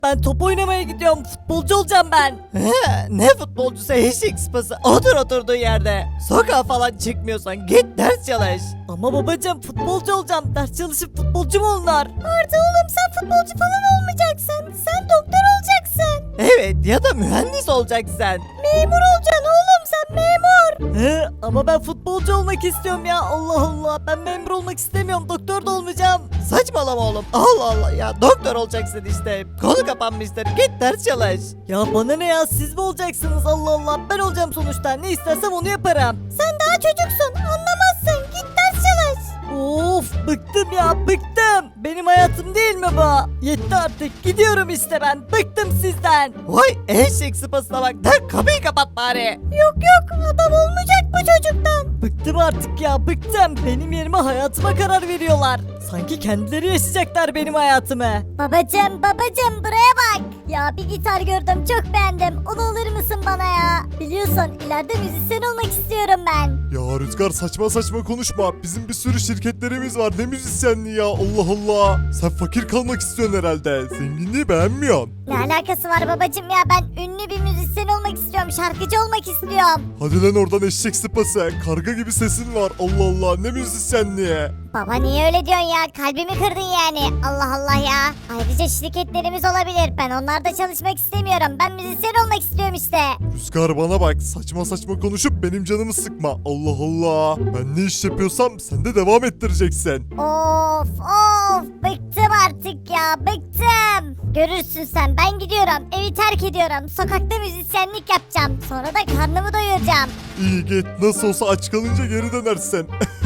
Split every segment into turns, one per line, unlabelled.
Ben top oynamaya gidiyorum. Futbolcu olacağım ben. Ne futbolcusu eşek sıpası. Otur oturduğun yerde. Sokağa falan çıkmıyorsan git ders çalış. Ama babacığım futbolcu olacağım. Ders çalışıp futbolcu mu olunur?
Arda oğlum sen futbolcu falan olmayacaksın. Sen doktor olacaksın.
Evet ya da mühendis olacaksın.
Memur olacaksın oğlum sen memur.
Ama ben futbolcu olmak istiyorum ya. Allah Allah. Ben memur olmak istemiyorum. Doktor da olmayacağım. Saçmalama oğlum. Allah Allah ya. Doktor olacaksın işte. Konu kapanmıştır. Git ders çalış. Ya bana ne ya? Siz mi olacaksınız? Allah Allah. Ben olacağım sonuçta. Ne istersem onu yaparım.
Sen daha çocuksun anlamazsın. Git ders çalış.
Of bıktım ya bıktım. Benim hayatım değil mi bu? Yetti artık gidiyorum işte ben. Bıktım sizden. Vay eşek sıpasına bak. Der kapıyı kapat bari.
Yok adam olmayacak bu çocuktan.
Bıktım artık ya bıktım. Benim yerime hayatıma karar veriyorlar. Sanki kendileri yaşayacaklar benim hayatımı.
Babacım buraya bak. Ya bir gitar gördüm çok beğendim. Onu alır mısın bana ya? Biliyorsun ileride müzisyen olmak istiyorum ben.
Ya Rüzgar saçma saçma konuşma. Bizim bir sürü şirketlerimiz var. Ne müzisyenliği ya Allah Allah. Sen fakir kalmak istiyorsun herhalde. Zenginliği beğenmiyorsun.
Ne alakası var babacım ya ben ünlü bir müzisyen olmak istiyorum. Şarkıcı olmak istiyorum.
Hadi lan oradan eşek sıpası. Karga gibi sesin var. Allah Allah ne müzisyenliği.
Baba niye öyle diyorsun ya? Kalbimi kırdın yani. Allah Allah ya. Ayrıca şirketlerimiz olabilir. Ben onlarda çalışmak istemiyorum. Ben müzisyen olmak istiyorum işte.
Rüzgar bana bak saçma saçma konuşup benim canımı sıkma. Allah Allah. Ben ne iş yapıyorsam sen de devam ettireceksin.
Of bıktım artık ya bıktım. Görürsün sen ben gidiyorum evi terk ediyorum. Sokakta müzisyenlik yapacağım. Sonra da karnımı doyuracağım.
İyi git nasıl olsa aç kalınca geri dönersin.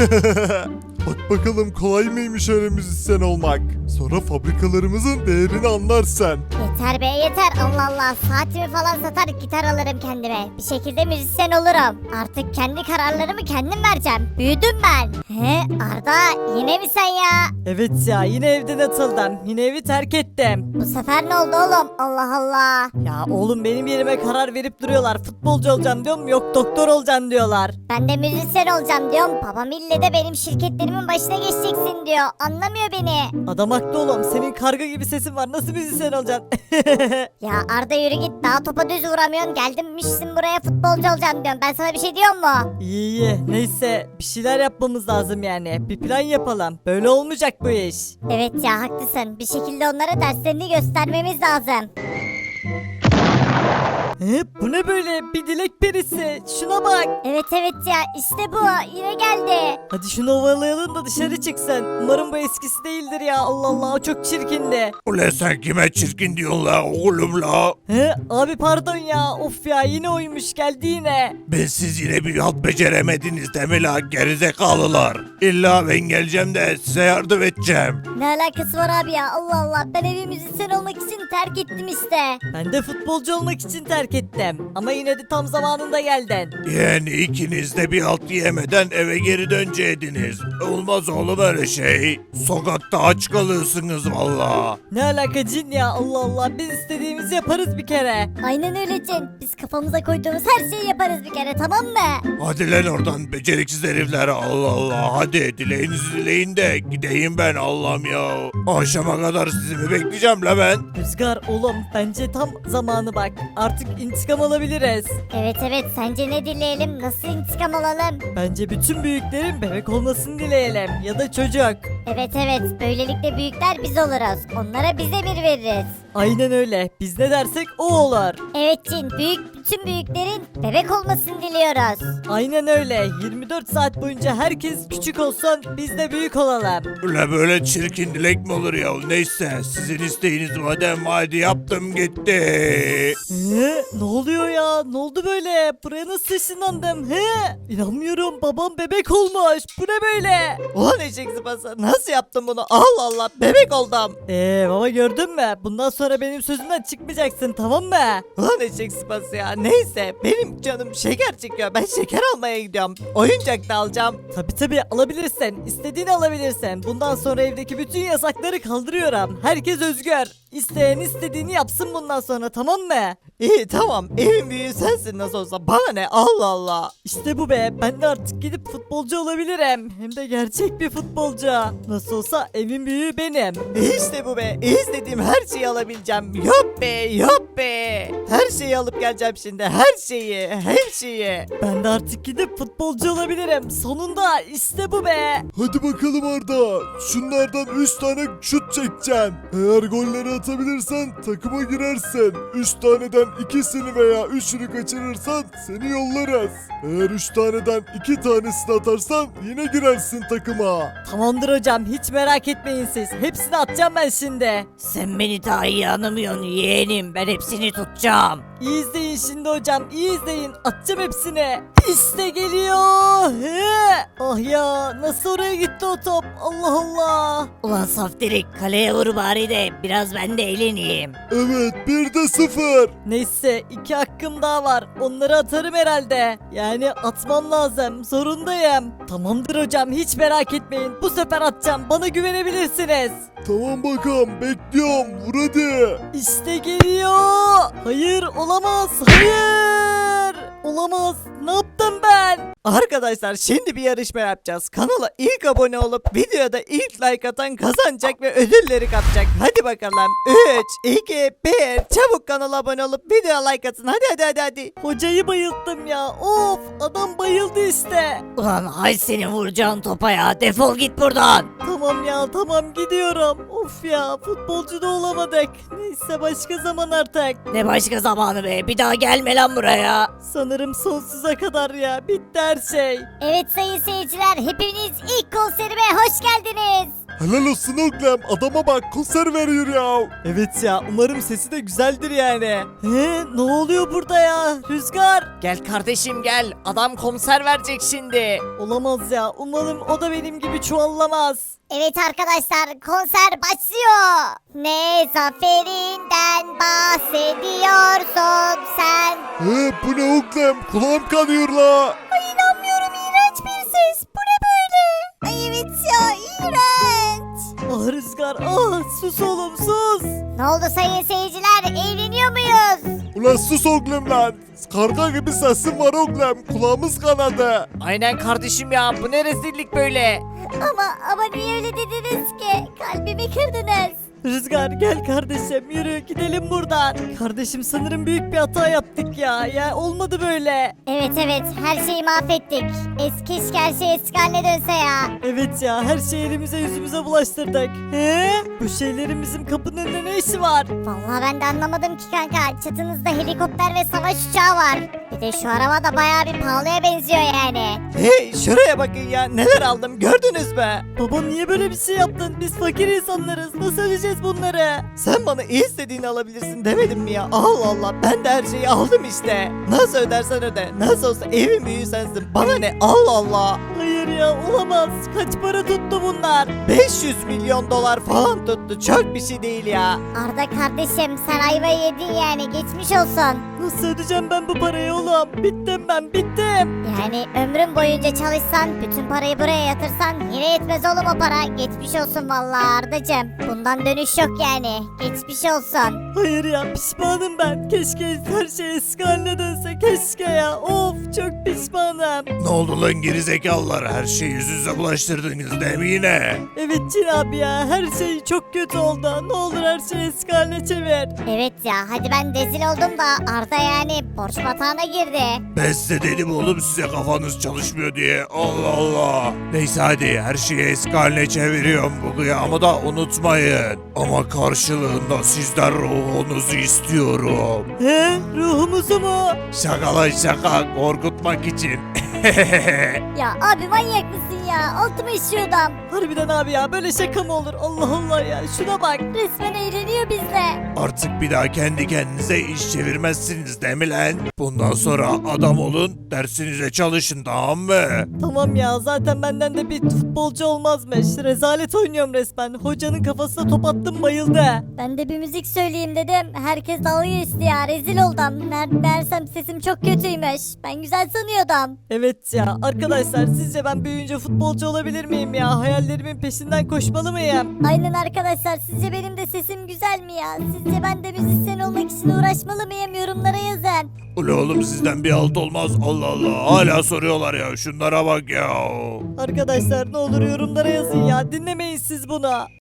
Bak bakalım kolay mıymış öyle müzisyen olmak. Sonra fabrikalarımızın değerini anlarsan.
Yeter be yeter Allah Allah. Saatimi falan satar gitar alırım kendime. Bir şekilde müzisyen olurum. Artık kendi kararlarımı kendim vereceğim. Büyüdüm ben. He Arda yine mi sen ya?
Evet ya yine evden atıldım. Yine evi terk ettim.
Bu sefer ne oldu oğlum? Allah Allah.
Ya oğlum benim yerime karar verip duruyorlar. Futbolcu olacağım diyorum yok doktor olacaksın diyorlar.
Ben de müzisyen olacağım diyorum. Babam ille de benim şirketlerimin başına geçeceksin diyor. Anlamıyor beni.
Adam haklı oğlum. Senin karga gibi sesin var. Nasıl müzisyen olacaksın?
Ya Arda yürü git. Daha topa düz vuramıyorsun. Gelmişsin buraya futbolcu olacağım diyorum. Ben sana bir şey diyor mu?
İyi. Neyse bir şeyler yapmamız lazım yani. Bir plan yapalım. Böyle olmayacak bu iş.
Evet ya haklısın. Bir şekilde onlara derslerini göstermemiz lazım.
Bu ne böyle? Bir dilek perisi. Şuna bak.
Evet ya işte bu. Yine geldi.
Hadi şunu ovalayalım da dışarı çıksın. Umarım bu eskisi değildir ya. Allah Allah o çok çirkindi.
Ulan sen kime çirkin diyorsun la oğlum la?
Abi pardon ya. Of ya yine oymuş geldi yine.
Ben siz yine bir halt beceremediniz değil mi la gerizekalılar? İlla ben geleceğim de size yardım edeceğim.
Ne alakası var abi ya? Allah Allah. Ben evi müzisyen olmak için terk ettim işte.
Ben de futbolcu olmak için terk ettim. Ama yine de tam zamanında geldin.
Yani ikiniz de bir halt yemeden eve geri döneceydiniz. Olmaz oğlum öyle şey. Sokakta aç kalırsınız valla.
Ne alaka cin ya Allah Allah biz istediğimizi yaparız bir kere.
Aynen öyle Cin. Biz kafamıza koyduğumuz her şeyi yaparız bir kere tamam mı?
Hadi lan oradan beceriksiz herifler Allah Allah. Hadi dileğinizi dileyin de gideyim ben Allah'ım ya. Akşama kadar sizi mi bekleyeceğim la ben?
Rüzgar oğlum bence tam zamanı bak. Artık intikam alabiliriz.
Evet sence ne dileyelim? Nasıl intikam alalım?
Bence bütün büyüklerin bebek olmasını dileyelim ya da çocuk.
Evet böylelikle büyükler biz oluruz. Onlara biz emir veririz.
Aynen öyle. Biz ne dersek o olur.
Evet Cin bütün büyüklerin bebek olmasını diliyoruz.
Aynen öyle. 24 saat boyunca herkes küçük olsun biz de büyük olalım.
Ulan böyle çirkin dilek mi olur ya? Neyse sizin isteğiniz madem hadi yaptım gitti.
Ne oluyor ya? Ne oldu böyle? Buraya nasıl ışınlandım? İnanmıyorum. Babam bebek olmuş. Bu ne böyle? Ulan eşek sıpası. Nasıl yaptın bunu? Allah Allah. Bebek oldum. Baba gördün mü? Bundan sonra benim sözümden çıkmayacaksın tamam mı? Ulan eşek sıpası ya. Neyse. Benim canım şeker çekiyor. Ben şeker almaya gidiyorum. Oyuncak da alacağım. Tabi alabilirsin. İstediğini alabilirsin. Bundan sonra evdeki bütün yasakları kaldırıyorum. Herkes özgür. İsteyen istediğini yapsın bundan sonra, tamam mı? İyi tamam, evin büyüğü sensin nasıl olsa, bana ne, Allah Allah. İşte bu be, ben de artık gidip futbolcu olabilirim. Hem de gerçek bir futbolcu. Nasıl olsa evin büyüğü benim. İşte bu be, istediğim her şeyi alabileceğim. Yok be, yok be. Her şeyi alıp geleceğim şimdi, her şeyi, her şeyi. Ben de artık gidip futbolcu olabilirim. Sonunda işte bu be.
Hadi bakalım Arda. Şunlardan 3 tane şut çekeceksin. Eğer golleri atabilirsen takıma girersin. 3 taneden ikisini veya 3'ünü kaçırırsan seni yollarız. Eğer 3 taneden 2 tanesini atarsan yine girersin takıma.
Tamamdır hocam, hiç merak etmeyin siz. Hepsini atacağım ben şimdi. Sen beni daha iyi anlamıyorsun yeğenim. Ben hepsini tutacağım. İyi izleyin şimdi hocam, iyi izleyin. Atacağım hepsini. İşte geliyor. He. Ah ya, nasıl oraya gitti o top? Allah Allah. Ulan Saftirik, kaleye vur bari de biraz ben de eğleneyim.
Evet 1'de 0.
Neyse, 2 hakkım daha var. Onları atarım herhalde. Yani atmam lazım. Zorundayım. Tamamdır hocam, hiç merak etmeyin. Bu sefer atacağım. Bana güvenebilirsiniz.
Tamam bakalım bekliyorum. Vur hadi.
İşte geliyor. Hayır, olamaz. Hayır. Olamaz. Ne yaptım ben? Arkadaşlar şimdi bir yarışma yapacağız. Kanala ilk abone olup videoda ilk like atan kazanacak ve ödülleri kapacak. Hadi bakalım. 3, 2, 1. Çabuk kanala abone olup videoya like atın. Hadi. Hocayı bayılttım ya. Of, adam bayıldı işte. Ulan hay seni vuracağın topa ya. Defol git buradan. Tamam ya, tamam gidiyorum. Of ya, futbolcu da olamadık. Neyse, başka zaman artık. Ne başka zamanı be? Bir daha gelme lan buraya. Sanırım sonsuza kadar ya. Bitti her şey.
Evet sayın seyirciler, hepiniz ilk konserime hoş geldiniz.
Helal olsun oğlum. Adama bak konser veriyor ya.
Evet ya, umarım sesi de güzeldir yani. Ne oluyor burada ya? Rüzgar. Gel kardeşim gel. Adam konser verecek şimdi. Olamaz ya. Umarım o da benim gibi çuvallamaz.
Evet arkadaşlar, konser başlıyor. Ne zaferinden bahsediyorsun sen?
Bu ne oğlum? Kulağım kanıyor la.
Ay inanmıyorum, iğrenç bir ses. Bu ne böyle? Ay evet ya, iğrenç.
Ah Rüzgar, ah sus oğlum sus.
Ne oldu sayın seyirciler, eğleniyor muyuz?
Ulan sus oğlum lan. Karga gibi sesin var oğlum. Kulağımız kanadı.
Aynen kardeşim ya, bu ne rezillik böyle.
Ama niye öyle dediniz ki? Kalbimi kırdınız.
Rüzgar gel kardeşim, yürü gidelim buradan. Kardeşim sanırım büyük bir hata yaptık ya. Ya olmadı böyle.
Evet her şeyi mahvettik. Keşke her şey eski haline dönse ya.
Evet ya, her şeyi elimize yüzümüze bulaştırdık. He? Bu şeylerin bizim kapının önünde ne işi var?
Vallahi ben de anlamadım ki kanka. Çatınızda helikopter ve savaş uçağı var. Bir de şu araba da bayağı bir pahalıya benziyor yani.
Hey şuraya bakın ya, neler aldım gördünüz mü? Baba niye böyle bir şey yaptın? Biz fakir insanlarız, nasıl ödeyeceğiz bunları? Sen bana istediğini alabilirsin demedim mi ya? Allah Allah, ben de her şeyi aldım işte. Nasıl ödersen öde, nasıl olsa evin büyüğü sensin, bana ne, Allah Allah. Hayır ya, olamaz. Kaç para tuttu bunlar? 500 milyon dolar falan tuttu, çok bir şey değil ya.
Arda kardeşim, sen ayvayı yedin yani, geçmiş olsun.
Nasıl ödeyeceğim ben bu parayı oğlum? Bittim ben, bittim.
Yani ömrün boyunca çalışsan, bütün parayı buraya yatırsan yine yetmez oğlum o para. Geçmiş olsun vallahi Ardacığım. Bundan dönüş yok yani. Geçmiş olsun.
Hayır ya, pişmanım ben. Keşke her şey eski haline dönse, keşke ya. Of, çok pişmanım.
Ne oldu lan gerizekalılar? Her şeyi yüzünüze bulaştırdınız değil mi yine?
Evet Cin abi ya, her şey çok kötü oldu. Ne olur her şeyi eski haline çevir.
Evet ya, hadi ben rezil oldum da Arda yani borç batağına girdi.
Ben size dedim oğlum, size kafanız çalışmıyor diye. Allah Allah. Neyse hadi, her şeyi eski haline çeviriyorum. Bu kıyamı da unutmayın. Ama karşılığında sizden ruhunuzu istiyorum.
He, ruhumuzu mu?
Şaka lan şaka, korkutmak için.
Ya abi manyak mısın ya? Altıma işiyordum.
Harbiden abi ya, böyle şaka mı olur? Allah Allah ya, şuna bak.
Resmen eğleniyor bizle.
Artık bir daha kendi kendinize iş çevirmezsiniz değil mi lan? Bundan sonra adam olun, dersinize çalışın, tamam mı?
Tamam ya, zaten benden de bir futbolcu olmazmış. Rezalet oynuyorum resmen. Hocanın kafasına top attım, bayıldı.
Ben de bir müzik söyleyeyim dedim. Herkes dalga geçti ya. Rezil oldum. Meğersem sesim çok kötüymüş. Ben güzel sanıyordum.
Evet ya arkadaşlar, sizce ben büyüyünce futbolcu olabilir miyim ya? Hayallerimin peşinden koşmalı mıyım?
Aynen arkadaşlar. Sizce benim de sesim güzel mi ya? Sizce ben de müzisyen olmak için uğraşmalı mıyım? Yorumlara yazın.
Ula oğlum sizden bir alt olmaz, Allah Allah, hala soruyorlar ya, şunlara bak ya.
Arkadaşlar ne olur yorumlara yazın ya, dinlemeyin siz bunu.